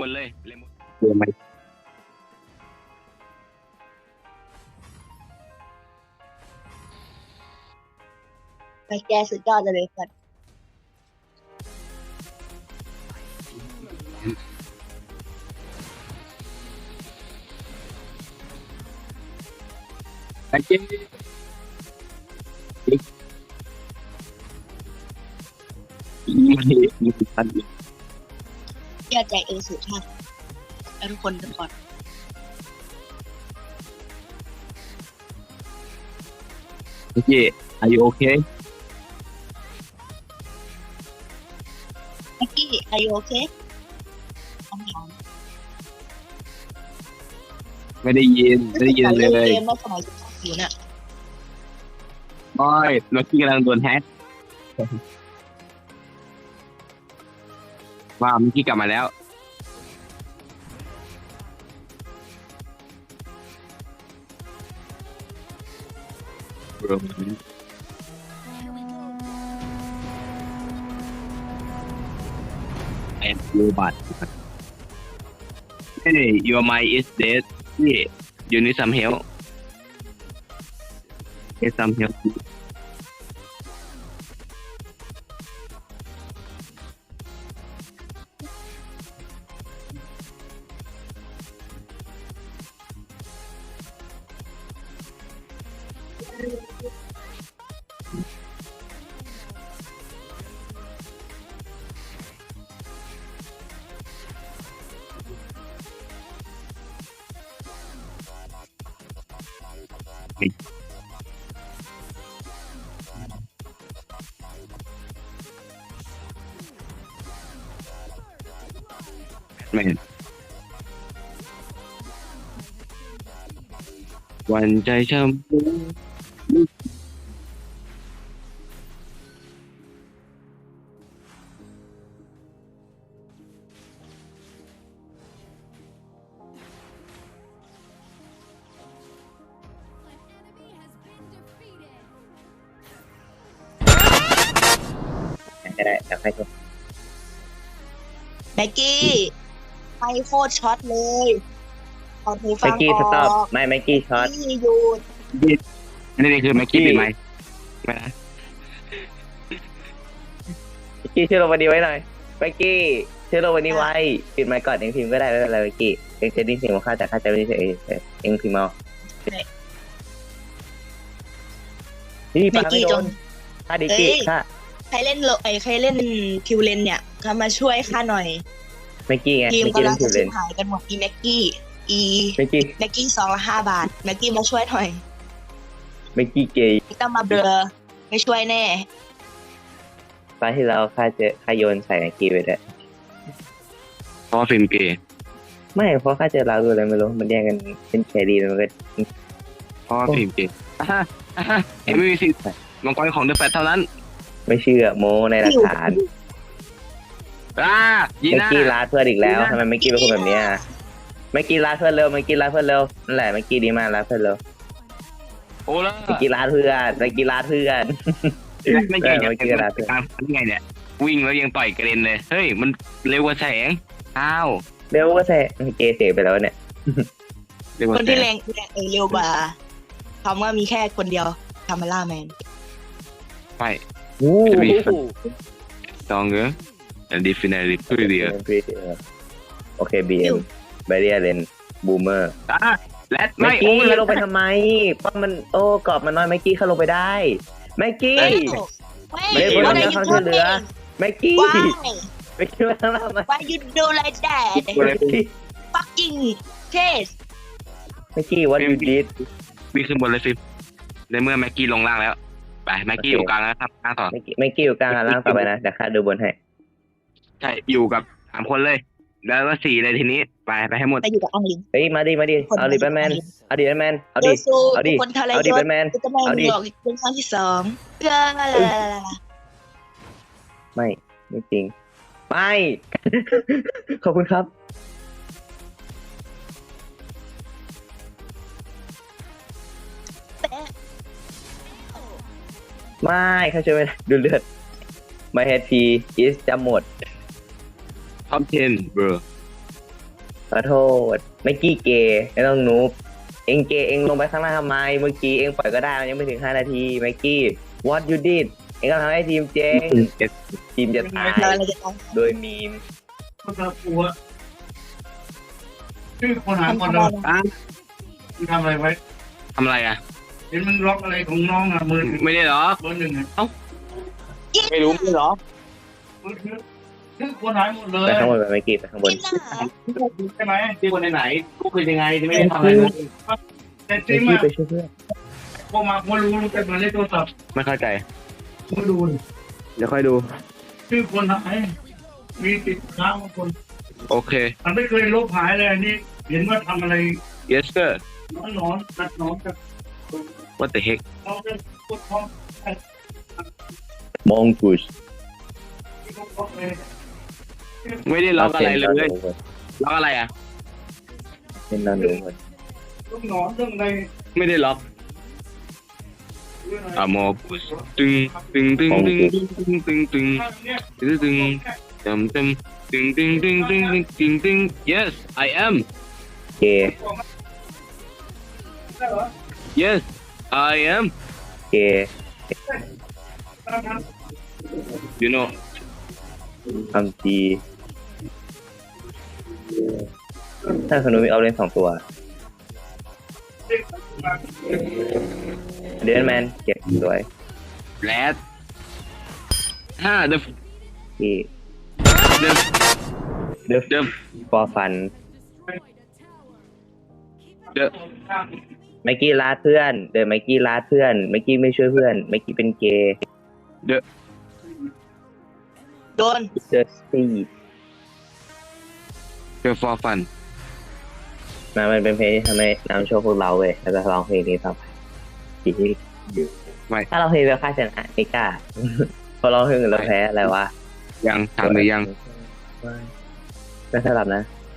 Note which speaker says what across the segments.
Speaker 1: บนเลยเลมอน
Speaker 2: เดี๋ยวไม่
Speaker 3: ไปแกสุดยอดเลยก่อน
Speaker 2: ไอ้เจ๊มีพัน
Speaker 3: เชื่อใจสุดท่านแล้วทุกคนก่อน
Speaker 2: ไอ้เจ๊ are you okay
Speaker 3: เมื่อกี้อายุโอเคคำถาม
Speaker 2: ไม่ได้ยินเลย
Speaker 3: เกมเมื่อสมัยอยู่น่ะ
Speaker 2: บอยเมื่อกี้กำลังโดนแฮกว้าวเมื่อกี้กลับมาแล้วแอนดูบัต Hey your mind is dead yeah you need some help get some help แม่นวันใจช้ำ
Speaker 4: ก็ได้แต่ให้ทุก
Speaker 3: แม็กกี้ไปโคตรช็อตเลยขอหูฟั
Speaker 4: ไม
Speaker 3: ง
Speaker 4: กี้
Speaker 3: อ
Speaker 4: สต็อป
Speaker 3: อก
Speaker 4: ไม่ไมกี้ช็อต
Speaker 3: ที่หยุด
Speaker 2: นี่คือแม็กกี้เป็นไหมไม่นะ
Speaker 4: ไมกี้ชื่อลงวันนี้ไว้หน่อยไมกี้ชื่อลงวันนี้ไว้ปิดไมค์ก่อนเองพิมพ์ก็ได้ไม่เป็นไรไมกี้เองจะได้เสียงของข้าแต่ข้าจะไม่ได้เสียงเองพิมพ์เอานี่
Speaker 3: แม็
Speaker 4: ปาก ไม่
Speaker 3: กี้
Speaker 4: โด
Speaker 3: จ
Speaker 4: น
Speaker 3: ง
Speaker 4: ข้าดิกี้ข้า
Speaker 3: ใครเล่นใครเล่นคิวเลนเนี่ยเขามาช่วยข้าหน่อย
Speaker 4: ไมกี้ไง
Speaker 3: ทีม
Speaker 4: ไมกี้
Speaker 3: กำลั
Speaker 4: เล่
Speaker 3: ง
Speaker 4: นผิ
Speaker 3: จะ
Speaker 4: วเล
Speaker 3: ชิ
Speaker 4: น
Speaker 3: บหายกันหมดอีแม็กกี้อี
Speaker 4: ไมกี้
Speaker 3: แม็กกี้2 ละ 5 บาทแม็กกี้มาช่วยหน่อย
Speaker 4: ไมกี้เกย์
Speaker 3: ไม่ต้องมาเบลอไม่ช่วยแน่
Speaker 4: ตอนที่เราข้าโยนใส่ไมกี้ไปด้วย
Speaker 2: เพราะว่าฟิล์มเกย์
Speaker 4: ไม่เพราะข้าเจอเราดูอะไรไม่รู้มันแย่งกันเป็นแครี่แล้วมันก็
Speaker 2: เพราะว่าฟิล์มเกย์เอ็มไม่มีสิทธิ์มังกรของเดอะแฟตเท่านั้น
Speaker 4: ไม่เชื่อโมในหลักฐาน
Speaker 2: ยี
Speaker 4: ไม
Speaker 2: น่า
Speaker 4: กี้ลาดเพื่อนอีกแล้วทำไมไมกี้เป็นคนแบบเนี้ยไมกี้ลาดเพื่อนเร็วไมกี้ลาดเพื่อนเร็วนั่นแหละไมกี้ดีมากลาดเพื่อนเร็ว
Speaker 2: โอ้แล้ว
Speaker 4: ไมกี้ลาดเพื่อนไมกี้ลาดเพื่อน
Speaker 2: ไม่เก่งอย่าง
Speaker 4: เมื่อกี้ลาด
Speaker 2: กลางฟันไงเนี่ยวิ่งแล้วยังต่อยกระเด็นเลยเฮ้ยมันเร็วกว่าแสงอ้าว
Speaker 4: เร็วก็แซ่เกย์เสียไปแล้วเนี่ย
Speaker 2: เร็วกว่า
Speaker 3: คน
Speaker 2: แส
Speaker 3: ที่
Speaker 2: ง
Speaker 3: แรงเร็วกว่าคำว่ามีแค่คนเดียวคามาล่าแมน
Speaker 2: ไป
Speaker 4: โอ้
Speaker 2: สองเงอ and definitely prettier
Speaker 4: โอเคบีเอ็มไบเรียเลนบูมเมอร์
Speaker 2: และ
Speaker 4: ไม
Speaker 2: ไม่
Speaker 4: กี้
Speaker 2: โอ้ย
Speaker 4: ลงไปทำไมป้อมมันโอ้กรอบมันน้อยไมกี้เข้าลงไปได้ไมกี้
Speaker 3: เฮ้ย
Speaker 4: ไม่ได้
Speaker 3: what
Speaker 4: บ
Speaker 3: are
Speaker 4: น
Speaker 3: you
Speaker 4: ความช่วยเหลือ
Speaker 3: doing
Speaker 4: ไมกี้
Speaker 3: why
Speaker 4: ไมกี้มาทำอะไร
Speaker 3: why you do like that fucking case
Speaker 4: ไมกี้what you did
Speaker 2: วิ่งขึ้นบนเลยฟิล์มในเมื่อแม็กกี้ลงล่างแล้วไปแม็กกี้อยู่กลางแล้วครับกลางต่อ
Speaker 4: ไมกี้อยู่กลางล่างต่อไปนะเดี๋ยวข้าดูบนให้
Speaker 2: ใช่อยู่กับ3 คนเลย แล้วก็4เลยทีนี้ไปให้หมด
Speaker 3: ไปอยู่กับอังลิง
Speaker 4: เฮ้ยมาดิเอาดิแบทแมนเอาดิแบทแมนเอา
Speaker 3: เด
Speaker 4: ดิ
Speaker 3: ซู
Speaker 4: เอาดิ
Speaker 3: คนทะเล
Speaker 4: เอาดิ
Speaker 3: ย
Speaker 4: แบ
Speaker 3: ศ
Speaker 4: ทแมน
Speaker 3: จะไม่
Speaker 4: เอาดิ
Speaker 3: บอกอีกเป็นครั้งที่2
Speaker 4: ไม่จริงไม่ ขอบคุณครับไม่ข้าช่วยไม่ได้ดูเลือด My HP is จะหมด
Speaker 2: ท็อป10 bro
Speaker 4: ขอโทษไม่กี้เกย์ไม่ต้องนูบเองเกย์เองลงไปข้างล่างทำไมเมื่อกี้เองปล่อยก็ได้มันยังไม่ถึง5 นาทีไมกี้ what you did เองก็ทำให้ทีมเจ๊งทีมจะตาย
Speaker 3: เราจะต้อง
Speaker 4: โดยมีม
Speaker 1: คนละปัวชื่อคนหาคน
Speaker 3: ทำ
Speaker 1: เรา
Speaker 3: อะไร
Speaker 1: คุณทำอะไรไว้
Speaker 2: ทำอะไรอ่ะ
Speaker 1: เห็นมันล็อกอะไรของน้องอ่ะมือ
Speaker 2: ไม่ได้หรอ
Speaker 1: เบอร์หนึ่งอ่ะ
Speaker 2: ไม่รู้ไม่หรอ
Speaker 1: มือถือชื่อคนหายหมดเล
Speaker 4: ไป
Speaker 1: ย
Speaker 4: ข้างบนไปไมกี้ไปข้างบน
Speaker 3: กินหนา
Speaker 1: ใช่ไหม
Speaker 2: ที่คนไหนกูคือยังไงที่ไม่ได้ทำอะไรเลย
Speaker 1: แต่จ
Speaker 4: ไม
Speaker 1: ริง
Speaker 4: กี้
Speaker 1: อ่ะ
Speaker 4: ไปช่วยเพื่อน
Speaker 1: พอมาพอรู้แต่มาเล่นโทรศัพท์
Speaker 2: ไม่เข้าใจ
Speaker 1: มาดู
Speaker 2: เดี๋ยวค่อยดู
Speaker 1: ชื่อคนหายมีติดค้างบางคน
Speaker 2: โอเค
Speaker 1: มันไม่เคยลบหายเลยอันนี้เห็นว่าทำอะไร
Speaker 2: yes sir
Speaker 1: นอนตัดนอนกับ
Speaker 2: what the heck
Speaker 1: น้องจะพูดพร้อม
Speaker 4: มองกุช
Speaker 1: ที่เขาบอกเลย
Speaker 2: ไม่ได้ล็อกอะไรเลยล็อกอะไรอ่ะ
Speaker 4: เป็นนอนดูหมด
Speaker 1: เรื่องนอนเรื่องอะไร
Speaker 2: ไม่ได้ล็อก
Speaker 1: เรื่องอะไร
Speaker 2: อะโมกุสตึงตึงตึงตึงตึงตึงตึง
Speaker 1: เนี่ย
Speaker 2: ตึงตึงจำจำตึงตึงตึงตึงตึงตึง yes I am
Speaker 4: เกย์
Speaker 1: ได้เหรอ
Speaker 2: yes I am
Speaker 4: เกย์
Speaker 2: you know
Speaker 4: ทำจีถ้าสนุกมีเอาเล่น2 ตัวเดนแมนเก็บสวย
Speaker 2: red the
Speaker 4: ที่
Speaker 2: the
Speaker 4: เดฟ
Speaker 2: the
Speaker 4: ฟอร์ฟัน
Speaker 2: the
Speaker 4: ไมกี้ลาดเพื่อนเดินไมกี้ลาดเพื่อนไมกี้ไม่ช่วยเพื่อนไมกี้เป็นเกย์
Speaker 2: the
Speaker 3: โดน
Speaker 4: เดอะสปีด
Speaker 2: the for fun
Speaker 4: มันเป็นเพลงที่ทำให้นำโชว์พวกเราเว้ยแล้วจะร้องเพลงนี้ต่อไปที่
Speaker 2: ไม่
Speaker 4: ถ้าเราเพลงเวลค่าชนะไม่กล้า พอร้องเพลงอื่นเราแพ้อะไรวะ
Speaker 2: ยังถามหรือยัง
Speaker 4: ไม่สลับนะ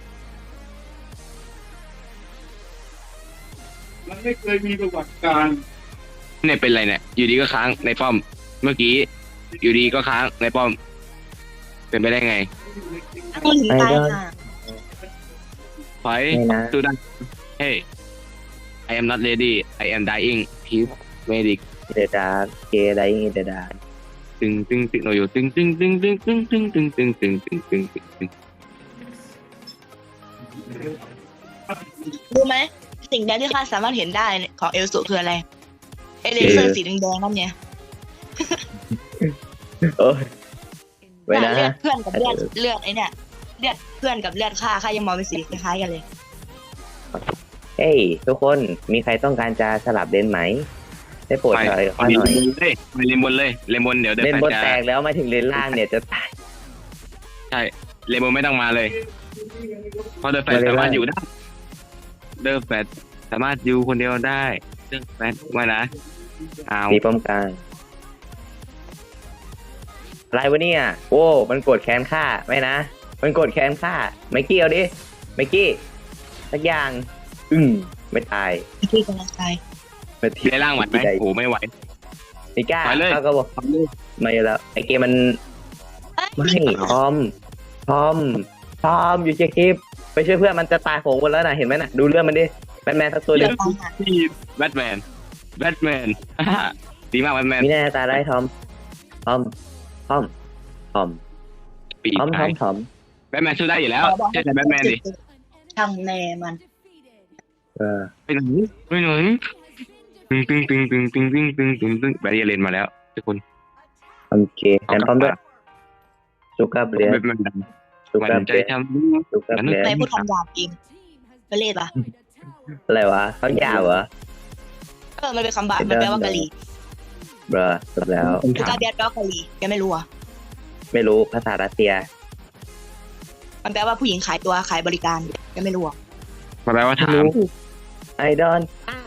Speaker 1: มันไม่เคยมีประวัติการ
Speaker 2: เนี่ยเป็นไรเนี่ยอยู่ดีก็ค้างในป้อม เมื่อกี้อยู่ดีก็ค้างในป้อม เป็นไปได้ไง
Speaker 3: คนถึงตายค่ะ
Speaker 2: ไฟ
Speaker 4: ไม่นะ
Speaker 2: ดูดัน hey I am not ready I am dying please medic
Speaker 4: เดดาเกย์ไดอิงเดดา
Speaker 2: ตึงตึงตึงเราอยู่ตึงตึงตึงตึงตึงตึงตึงตึงตึงตึงตึงตึงตึง
Speaker 3: รู้ไหมสิ่งใดที่ข้าสามารถเห็นได้ของเอลสุคืออะไรเอเลเซอร์สีแดงๆนั่นเนี่ย
Speaker 4: โอ้ยไว้
Speaker 3: เลื
Speaker 4: นะ
Speaker 3: อดเพื่อนกับเลือดไอเนี่ยเลือดเพื่อนกับเลือดข้ายังมองเป็นสีคล้ายๆกันเลย
Speaker 4: เฮ้ยทุกคนมีใครต้องการจะสลับเลนไหมได้โปรด
Speaker 2: ไป
Speaker 4: หน่อย
Speaker 2: เอา
Speaker 4: ข้อ
Speaker 2: ดี
Speaker 4: หน่อย
Speaker 2: เลยไปเลนบนเลยเลนบนเดี๋ยวเดิน
Speaker 4: เลน
Speaker 2: ไป
Speaker 4: บน
Speaker 2: จะ
Speaker 4: แตกแล้วมาถึงเลนล่างเนี่ยจะตาย
Speaker 2: ใช่เลนบนไม่ต้องมาเลยเพราะเดินแฟนสามารถอยู่ได้เดินแฟนสามารถอยู่คนเดียวได้เดินแฟนไม่นะเอา
Speaker 4: มีป้อมกลางอะไรวะเนี่ยโอ้มันกดแค้นฆ่าไม่นะ มันกดแค้นฆ่าไมกี้เอาดิไมกี้สักอย่างไม่ตาย
Speaker 3: ที่กำลังตาย
Speaker 4: ไม่
Speaker 2: ทีได้ล่างไหวไหมโอ้ไม่ไหว
Speaker 4: ไม่กล้า
Speaker 2: ไปเลย
Speaker 4: เขาก็บอกไม่แล้วไอเกมมันไม่ทอมอยู่เช็คคลิปไปช่วยเพื่อนมันจะตายโหงหมดแล้วนะเห็นไหมน่ะดูเรื่องมันดิแบทแมนสักตัวเดียว
Speaker 2: ที่แบทแมนดีมากแบทแมน
Speaker 4: มีแน่ตายได้ทอม
Speaker 2: ปีกไก่แบทแมนสู้ได้อยู่แล้วเชื่อใจแบทแมนดิ
Speaker 3: ช่างแน่มัน
Speaker 4: เออ
Speaker 2: ไปไหนตึงตึงตึงตึงตึงตึงตึงตึงตึงแบทเยเลนมาแล้วทุกคน
Speaker 4: โอเคแอนพร้อมด้วยสุกาเบลีย
Speaker 2: แบทแมน
Speaker 4: สุ
Speaker 2: มัน
Speaker 4: กา
Speaker 2: ใจ
Speaker 4: เบลีย
Speaker 2: ท
Speaker 4: สุกาเบลีย
Speaker 3: ในพูดคำหยาบจริงก็เล่ปะ
Speaker 4: อะไรวะเขายาวเหรอ
Speaker 3: มันเป็นคำบาปมันแปลว่ากะหรี่
Speaker 4: เบรอจบแล้ว
Speaker 2: ำ
Speaker 3: คือกาเบียดแปลว่ากะหรี่แกไม่รู้อ่ะ
Speaker 4: ไม่รู้ภาษารัสเซีย
Speaker 3: มันแปลว่าผู้หญิงขายตัวขายบริการแกไม่รู้อ่ะ
Speaker 2: มาแปลว่าถาม
Speaker 4: ไอดอน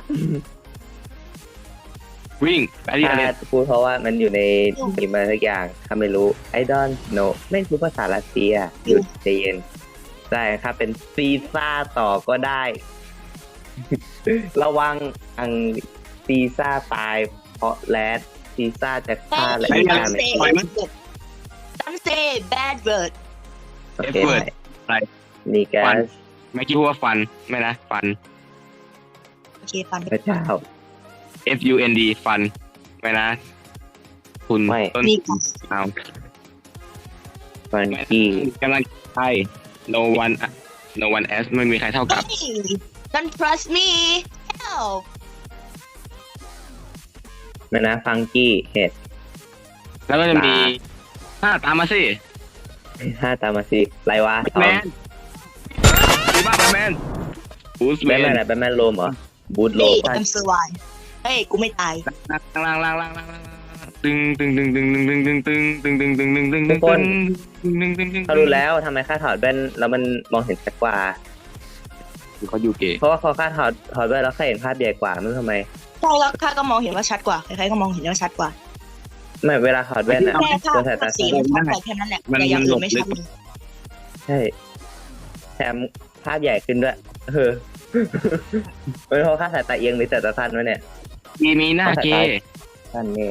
Speaker 2: วิ่งแบทเยเลน
Speaker 4: พูดเพราะว่ามันอยู่ในทีมอะไรสักอย่างทำไม่รู้ไอดอนโนไม่รู้ภาษารัสเซียหยุดใจเย็นได้ครับเป็นซีซ่าต่อก็ได้ ระวังอังซีซ่าตายเพราะแรดซีซ่าจะฆ่าและ
Speaker 3: ไม่
Speaker 4: ฆ่า
Speaker 3: ต้อง
Speaker 4: ไม่
Speaker 3: เซ่ต้องเซ่ bad word
Speaker 4: โอเคได้นี่แกส
Speaker 2: เมื่อกี้พูดว่าฟันไม่นะฟัน
Speaker 3: โอเคฟัน
Speaker 4: พระเจ้า
Speaker 2: FUND ฟันไม่นะคุณ
Speaker 4: ไม่
Speaker 2: ต้น
Speaker 3: นี่ค่ะ
Speaker 2: เอา
Speaker 4: ฟันกี้
Speaker 2: กำลังใช่ no one as ไม่มีใครเท่ากับ
Speaker 3: เฮ้ย don't trust me help
Speaker 4: นะนะฟังกี้เห็ด
Speaker 2: แล้วก็จะมีตามมาสิ
Speaker 4: ห้าตามมาสิไรวะ
Speaker 2: แมนดีมากแมนบูส
Speaker 4: แบ
Speaker 2: แม
Speaker 4: ทแมน
Speaker 2: น
Speaker 4: อะไรแบทแมนโลมเหรอบูทโล
Speaker 3: นี่
Speaker 4: ม
Speaker 3: I'm survive เฮ้ยกูไม่ตาย
Speaker 2: ล่างตึงตึงตึงตึงตึงตึงตึงตึงตึงตึงตึงตึงตึงตึงตึงตึง
Speaker 4: เขารู้แล้วทำไมข้าถอดแว่นแล้วมันมองเห็นชัดกว่า
Speaker 2: เขาอยู่เก๋
Speaker 4: เพราะว่าพอข้าถอดแว่นแล้วข้าเห็นภาพใหญ่กว่าไม่รู้ทำไม
Speaker 3: ใช่แล้วข้าก็มองเห็นว่าชัดกว่าใครๆก็มองเห็นว่าชัดกว่า
Speaker 4: ไม่เวลาถอดแว่นอะ
Speaker 3: แค่ภา
Speaker 4: จ
Speaker 3: พ
Speaker 4: นสายตา
Speaker 3: สี
Speaker 4: สั้น
Speaker 3: มันชัดกว่าแค่นั้นแหละแต่อย่างอื่นไม่ชัดเลย
Speaker 4: ใช่แถมภาพใหญ่ขึ้นด้วยไม่เพราะข้าสายตาเอียงหรือสายตาสั้นวะเนี่ย
Speaker 2: ดีมีหน้าเก๋
Speaker 4: สั้นนี่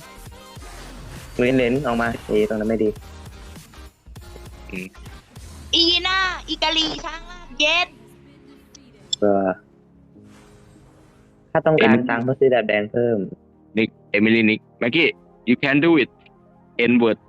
Speaker 4: เลนส์ออกมาตรงนั้นไม่ดี
Speaker 3: อีน่าอีกาลีช้างลาดเย็ด
Speaker 4: ถ้าต้องการตังค์เพื่อซื้อดาบแดงเพิ่ม
Speaker 2: นิกเอมิลี่นิกแม็กกี้ you can do it N word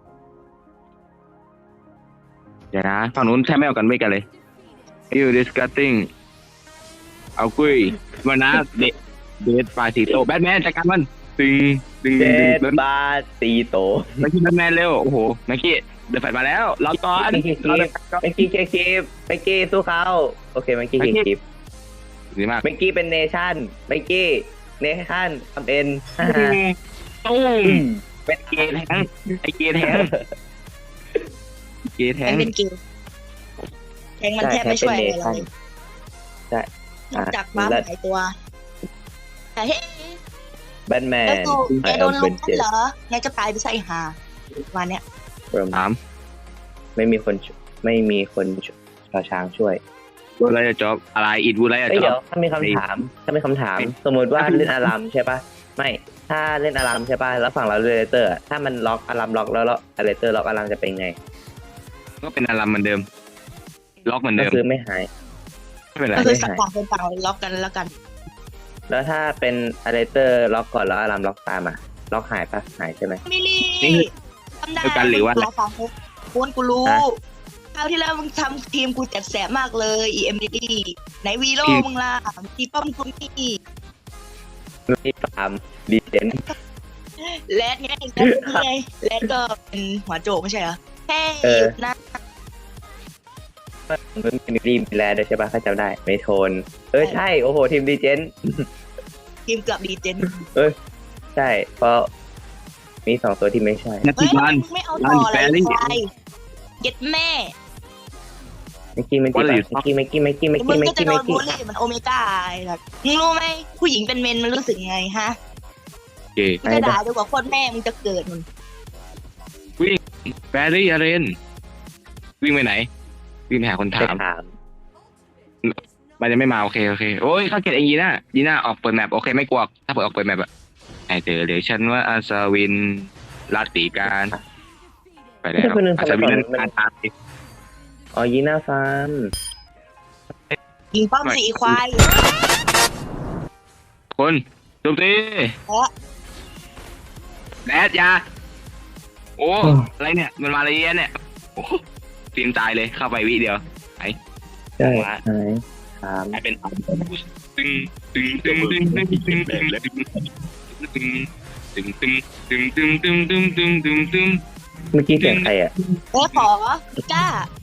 Speaker 2: เดี๋ยวนะฝั่งนู้นแทบไม่เอากันไม่กันเลย you disgusting เอากุยมานะเดทปลายสีโตแบทแมนจัดการมันตึงตึง
Speaker 4: เจ็
Speaker 2: ตึ
Speaker 4: ด
Speaker 2: ง
Speaker 4: บาทตีโต
Speaker 2: แม็กกี้แบทแมนเร็วโอ้โหแม็กกี้เดินไฟมาแล้วรอก่อนรอเดิน
Speaker 4: เมื่อกี้เคคลิปเมื่อกี้สู้เขาโอเคเมื่อกี้เคคลิป
Speaker 2: ดีมาก
Speaker 4: เมื่อกี้เป็นเนชั่นเมื่อกี้เนชั่นทำเอ็น
Speaker 2: ตุ้มเป็นเกย์แทงไอเกย์แทงเกย์แท
Speaker 3: แท
Speaker 2: ง
Speaker 3: งเป็นเกมแทงมันแทบไม่ช่วยอะไรเลย
Speaker 4: ใช่
Speaker 3: นอกจากฟ้าหายตัวแต่เฮ้ย
Speaker 4: แบทแม
Speaker 3: แล้ว
Speaker 4: น
Speaker 3: กูแกโดนลุกนั่นเหรอไงก็ตายไปใส่หาวันเนี้ย
Speaker 2: ถาม
Speaker 4: ไม่มีคนชอช้างช่วย
Speaker 2: วูอะไรจะจบอะไรอีดวูอะไรจะ
Speaker 4: เอ้ย
Speaker 2: จ
Speaker 4: เดี๋ย
Speaker 2: บ
Speaker 4: วถ้ามีคำถาม สมมติว่าเล่นอารามใช่ปะไม่ถ้าเล่นอารามใช่ปะแล้วฝั่งเราเล่นเลเตอร์ถ้ามันล็อกอารามล็อกแล้วเลเตอร์ล็อกอารามจะเป็นไง
Speaker 2: ก็เป็นอารามเหมือนเดิม ล็อกเหมือน
Speaker 4: ก็
Speaker 2: เดิม
Speaker 4: คือไม่หาย
Speaker 2: ไม่เป็นไร
Speaker 3: ก็คือสักต่างคนต่างล็อกกันแล้วกัน
Speaker 4: แล้วถ้าเป็นเลเตอร์ล็อกก่อนแล้วอารามล็อกตามอ่ะล็อกหายปะหายใช่ไหม
Speaker 3: มิลี่ทำได้ตัวฟังกูกูรู้คราวที่แล้วมึงทำทีมกูจัดแสบมากเลยอีเอ็มดีไหนวีโร่มึงล่ะทีป้อมกูนี่
Speaker 4: ไม่ตามดีเจน
Speaker 3: แรดไงแรดก็เป็นหัวโจกไม่ใช่เหรอแค่หยุดนะ
Speaker 4: มันเป็นดีมแลด้วยใช่ปะถ้าจำได้ไม่โทนใช่โอ้โหทีมดีเจน
Speaker 3: ทีมเกือบดีเจน
Speaker 4: ใช่เพราะมีสองตัวที่ไม่ใช่
Speaker 2: นัก
Speaker 3: เฮ้ย
Speaker 2: บอล
Speaker 3: ไม่เอาต่ออะไรใครเก็ตแม่
Speaker 4: เมื่อกี้มึงก็จะโดนบูลลี่
Speaker 3: มันโอเมก้ามึงรู้ไหมผู้หญิงเป็นเมนมันรู้สึกไงฮะ
Speaker 2: เก๋
Speaker 3: มันจะด่าดีกว่าโคตรแม่มึงจะเกิดมัน
Speaker 2: แบรี่อาเรนวิ่งไปไหน วิ่งไปหาคนถาม มันจะไม่มาโอเคโอ้ยเขาเก็บเองยีน่าออกเปิดแมปโอเคไม่กลัวถ้าเปิดออกเปิดแมปอะไอเจอเดี๋ยวฉันว่าอาซาวินลาติการไปแล้วอาซาวินนั่นการตาย
Speaker 4: อ๋อยีน่าฟาร์ม
Speaker 3: ยิงป้อมสีควาย
Speaker 2: คนโจมตีแดดยาโอ้อะไรเนี่ยมันมาอะไรเนี่ยโอ้ทีมตายเลยเข้าไปวิเดียว
Speaker 4: ใช่หายถาม
Speaker 2: กลายเป็นตึงตึงตึงตึงตึงตึงตึงตึงตึงตึงตึงตึงตึงตึงตึงตึงตึงตึง
Speaker 4: เมื่อกี้เสียงใครอ่ะ
Speaker 3: ขอพิก้า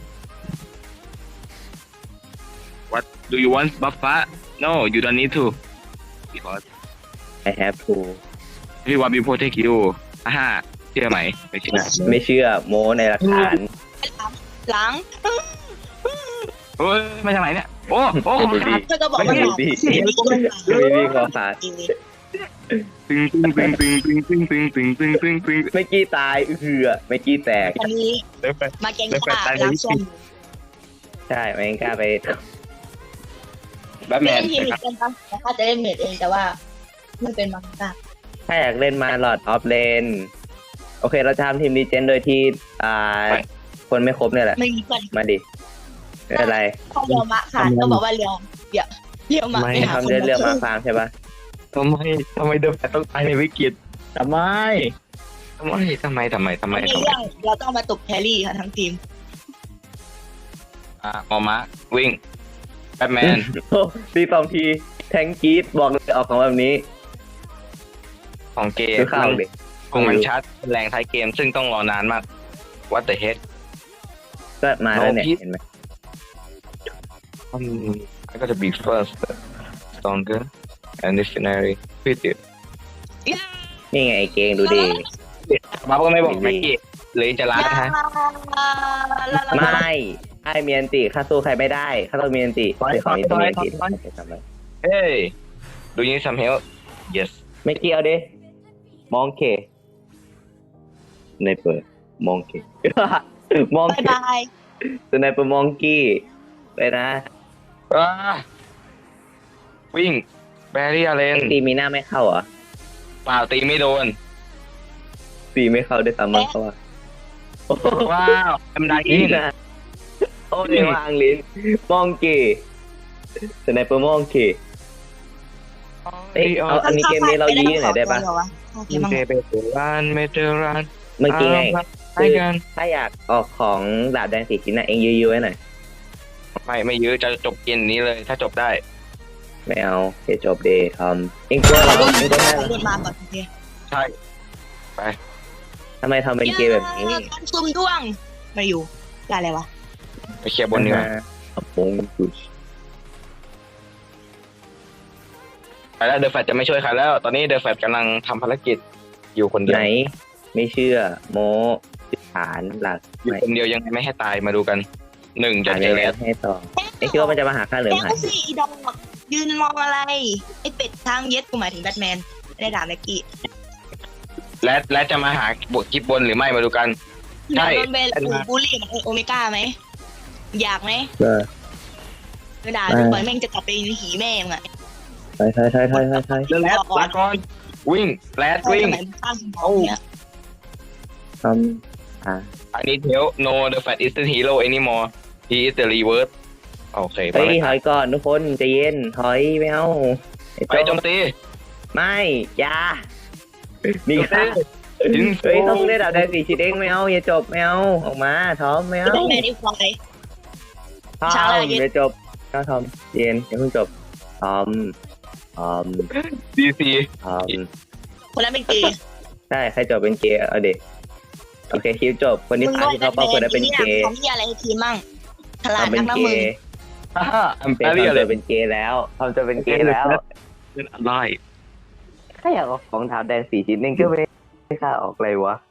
Speaker 2: What do you want Buffa No you don't need to because
Speaker 4: I have to
Speaker 2: we want to protect you ฮ่าเชื่อไหมไม่เชื่อ
Speaker 4: ไม่เชื่อโม้ในหลักฐาน
Speaker 3: หลัง
Speaker 2: โอ้ยมาจากไหนเนี่ยโอ้ของขาด
Speaker 3: เธอก็บอกว่าหลัง
Speaker 4: มีคอขาด
Speaker 2: ตึงตึงตึงตึงตึงตึงตึงตึงตึงตึงตึง
Speaker 4: เมื่อกี้ตายเมื่อกี้แตก
Speaker 3: วันนี้มาแกงป่าล้างส้ม
Speaker 4: ใช่ไม่กล้าไป
Speaker 2: แบทแม
Speaker 3: เล่
Speaker 2: น
Speaker 3: นทีมกันปะแต่ข้าจะเล่นเมดเองแต่ว่ามันเป็นมังกร
Speaker 4: ถ้าอยากเล่นมาหลอดออฟเลนโอเคเราจะทำทีมดีเจนโดยที่คนไม่ครบเนี่ยแหละ
Speaker 3: ไม่มีเพื่อน
Speaker 4: มาดิไม่เป็นไร
Speaker 3: ข้อเรียวมะค่ะต้องบอกว่าเรียวมะไปหา
Speaker 4: ทำ
Speaker 3: คน
Speaker 4: เรื่องเรื่องมา
Speaker 3: มา
Speaker 4: ฟาร์มใช่ปะ
Speaker 2: ทำไมเดอะแฟตต้องตายในวิกฤตทำไมทำไม
Speaker 3: ในเรื่องเราต้องมาตบแครี่ค่ะทั้งทีม
Speaker 2: มอมะวิ่งแบทแมน
Speaker 4: โอ้ตี2 ทีแทงกรีดบอกเลยออกของแบบนี้
Speaker 2: ของเกม
Speaker 4: ดูข้าวดิ
Speaker 2: คงมันชัดแรงท้ายเกมซึ่งต้องรอนานมาก What the heck
Speaker 4: ก็มาแล้วเนี่ย
Speaker 2: No, Pete.
Speaker 4: เห็นไหม
Speaker 2: I gotta be first stronger and visionary with it
Speaker 4: นี่ไงไอ้เกงดูดิ
Speaker 2: บัฟก็ไม่บอกแม็กกี้หรือจะล้าฮะ
Speaker 4: ไม่ไอเมียนติข้าสู้ใครไม่ได้ข้าต้องมียนติ
Speaker 2: ถอย
Speaker 4: เป็นของอินเตอร์เมียนติ
Speaker 2: ถอย
Speaker 4: ทำไม
Speaker 2: เฮ้ย do you need some help yes
Speaker 4: ไม่เกี่ยวดิมองเคในเปิดมองเค มอง
Speaker 3: บาย
Speaker 4: เค
Speaker 3: บาย
Speaker 4: สไนเปอร์มองกี้ไปนะ
Speaker 2: วิ่งแบรี่อาเลน
Speaker 4: ตีมีหน้าไม่เข้าเหรอ
Speaker 2: เปล่าตีไม่โดน
Speaker 4: ตีไม่เข้าด้วยซ้ำมั้งเขาว่า
Speaker 2: ว้าวทำได้ยิ
Speaker 4: นี่
Speaker 2: ง
Speaker 4: นะโอ้ยวางลิ้นมองกี้สไนเปอร์มองกี้เอ้ยเอาอันนี้เกมนี้เรายื้อหน่อยได้ปะ
Speaker 3: โอเค
Speaker 2: เม
Speaker 3: มั้ง
Speaker 2: เตอร์รันเมเตอร์รัน
Speaker 4: เมื่อกี้ไง
Speaker 2: ไปกัน
Speaker 4: ถ้าอยากออกของดาบแดง4 ชิ้นนะเองยื้อๆไว้หน่อย
Speaker 2: ไม่ยื้อจะจบเกมนี้เลยถ้าจบได้
Speaker 4: ไม่เอาเดี๋ยวจบเดย์ทำเองตัวเราเองตัวแม่
Speaker 3: เดินมาก่อนโอเค
Speaker 2: ใช่
Speaker 4: ทำไมทำเป็นเกมแบบนี้
Speaker 3: ต้นซุ่มด้วงมาอยู่อะไรวะ
Speaker 2: ไปเคลียร์บนดีกว่า
Speaker 4: อัปงกุช
Speaker 2: ไปแล้วเดอะแฟตจะไม่ช่วยใครแล้ว ตอนนี้เดอะแฟตกำลังทำภารกิจอยู่คนเดีย
Speaker 4: ไหน
Speaker 2: ว
Speaker 4: ไม่เชื่อ โมฐานหลัก
Speaker 2: อยู่
Speaker 4: ไม่
Speaker 2: คนเดียวยังไงไม่ให้ตายมาดูกัน1จะ
Speaker 4: หา
Speaker 2: เจ
Speaker 4: ยั
Speaker 2: อง
Speaker 4: ไง
Speaker 2: แล้ว
Speaker 4: ให้ต่อเองคิดว่ามันจะมาหาข้าเหลือ
Speaker 3: แก
Speaker 4: มหา
Speaker 3: ก็สิอีดอกยืนมองอะไรไอ้เป็ดทางเย็ดกูหมายถึงแบทแมนไม่ได้ด่าแม็กกี้
Speaker 2: และจะมาหาบทคลิปบนหรือไม่มาดูกัน ใช่
Speaker 3: โดนเบลบูลลี่เหมือนโอเมก้าไหมอยากไหม
Speaker 4: เออ
Speaker 3: ไม่ด่าดูก่อนแม่งจะกลับไปหีแม่งอ่ะ
Speaker 4: ใช่
Speaker 2: เดอะแรดลาก่อนวิ่งแรดวิ่ง
Speaker 3: ตั้งสมองเนี่ย
Speaker 4: ทำ
Speaker 2: I need help no the fat is the hero anymore he is the reverse โอเค
Speaker 4: เฮ้ยถอยก่อนทุกคนใจเย็นถอยไม่เอาไอ้
Speaker 2: ไปโจมตี
Speaker 4: ไม่อยานี่
Speaker 2: โจม
Speaker 4: ค่ะ
Speaker 2: ตี
Speaker 4: เฮ้ยต้องได้ดาบแดง4 ชิ้นเองไม่เอาอย่าจบไม่เอาออกมาทอมไม่เอา
Speaker 3: แบทแมนอีกฝ่าย
Speaker 4: ทอ
Speaker 3: ช้าเลย
Speaker 4: มอย่าจบก็ทอมเย็นอย่าเพิ่งจบทอม
Speaker 2: ดีซี
Speaker 4: ทอม
Speaker 3: คนนั้นเป็นเกย์
Speaker 4: ใช่ใครจบเป็นเกย์เอาเด็กโอเคคลิปจบคนที่ผ่านที่เขาเป้าคนนั้นเป็นเกย์
Speaker 3: เขามีอะไรทีมั่งฉลาด
Speaker 4: ทำเป็
Speaker 3: นั
Speaker 4: น
Speaker 3: กนะ
Speaker 4: เก
Speaker 3: มึง
Speaker 4: ย์
Speaker 2: อัม
Speaker 4: เป็น
Speaker 2: เปรีย
Speaker 4: ทำ
Speaker 2: เล
Speaker 4: จะ
Speaker 2: ย
Speaker 4: เป็นเกย์แล้วทำจะเป็นเกย์แล้ว
Speaker 2: เป็นอะไร
Speaker 4: แค่อยากเอาของถามแดง4 ชิ้นเองก็ไม่ค่าออกอะไรวะ